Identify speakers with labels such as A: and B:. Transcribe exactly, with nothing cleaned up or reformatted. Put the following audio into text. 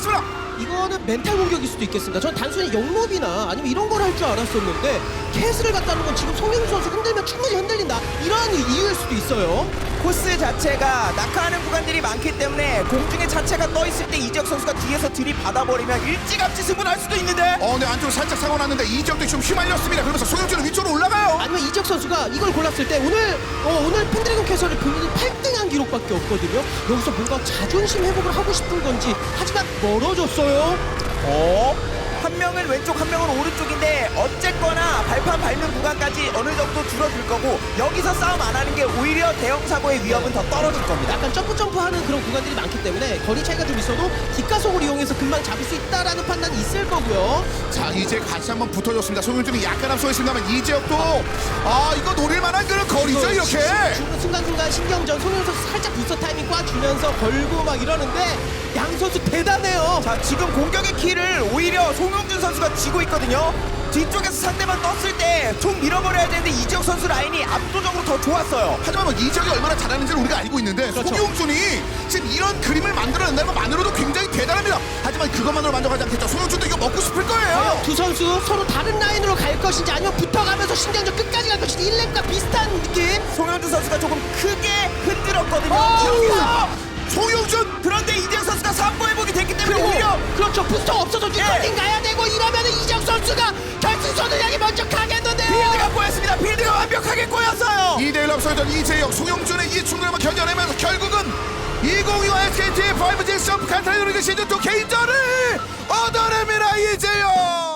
A: 들어갔습니다.
B: 이거는 멘탈 공격일 수도 있겠습니다. 전 단순히 영롭이나 아니면 이런 걸 할 줄 알았었는데 캐스를 갖다는 건 지금 송영주 선수 흔들면 충분히 흔들린다 이런 이유일 수도 있어요.
C: 코스 자체가 낙하하는 구간들이 많기 때문에 공중에 자체가 떠있을 때 이재혁 선수가 뒤에서 들이받아버리면 일찌감치 승부할 수도 있는데
A: 어, 네, 안쪽으로 살짝 사고 났는데 이적도 좀 휘말렸습니다. 그러면서 송영준은 위쪽으로 올라가요.
B: 아니면 이적 선수가 이걸 골랐을 때 오늘 어, 오늘 펜드래곤 캐서를 본인이 팔 등한 기록밖에 없거든요. 여기서 뭔가 자존심 회복을 하고 싶은 건지 하지만 멀어졌어요.
C: 어? 한 명은 왼쪽 한 명은 오른쪽인데 어쨌거나 발판 밟는 구간까지 어느 정도 줄어들 거고 여기서 싸움 안 하는 게 오히려 대형 사고의 위험은 더 떨어질 겁니다.
B: 약간 점프 점프하는 그런 구간들이 많기 때문에 거리 차이가 좀 있어도 뒷가속을 이용해서 금방 잡을 수 있다라는 판단이 있을 거고요.
A: 자, 이제 같이 한번 붙어줬습니다. 송영준이 약간 앞서 있습니다만 이재혁도 아, 이거 노릴 만한 그런 거리죠, 이렇게.
B: 중- 순간순간 신경전 송영 선수 살짝 부스터 타이밍 꽈주면서 걸고 막 이러는데 양 선수 대단해요.
C: 자, 지금 공격의 키를 오히려 송영준 선수가 쥐고 있거든요. 뒤쪽에서 상대방 떴을 때 총 밀어버려야 되는데 이재혁 선수 라인이 압도적으로 더 좋았어요.
A: 하지만 뭐 이적이 얼마나 잘하는지를 우리가 알고 있는데
B: 그렇죠.
A: 송영준이 지금 이런 그림을 만들어낸다는 것만으로도 굉장히 대단합니다. 하지만 그것만으로 만족하지 않겠죠. 송영준도 이거 먹고 싶을 거예요.
B: 두 선수 서로 다른 라인으로 갈 것인지 아니면 붙어가면서 신경전 끝까지 갈 것인지 일 렙과 비슷한 느낌.
C: 송영준 선수가 조금 크게 흔들었거든요.
B: 어,
C: 여기서
A: 송영준!
C: 그런데 이재혁 선수가 삼보 회복이 됐기 때문에
B: 그리고
C: 오히려
B: 그렇죠. 부스터 없어서 뒷걸린
C: 예.
B: 가야 되고 이러면은 이적 선수가 결승선을 향해 먼저 가겠는데요.
C: 필드가 꼬였습니다. 필드가 완벽하게 꼬였어요.
A: 이 대 일 앞서던 이재혁, 송영준의 이 충돌을 견뎌내면서 결국은 이천이십오 에스케이티 파이브지 점프 칸타이로리그 시즌 투 개인전을 얻어냅니다. 이재혁!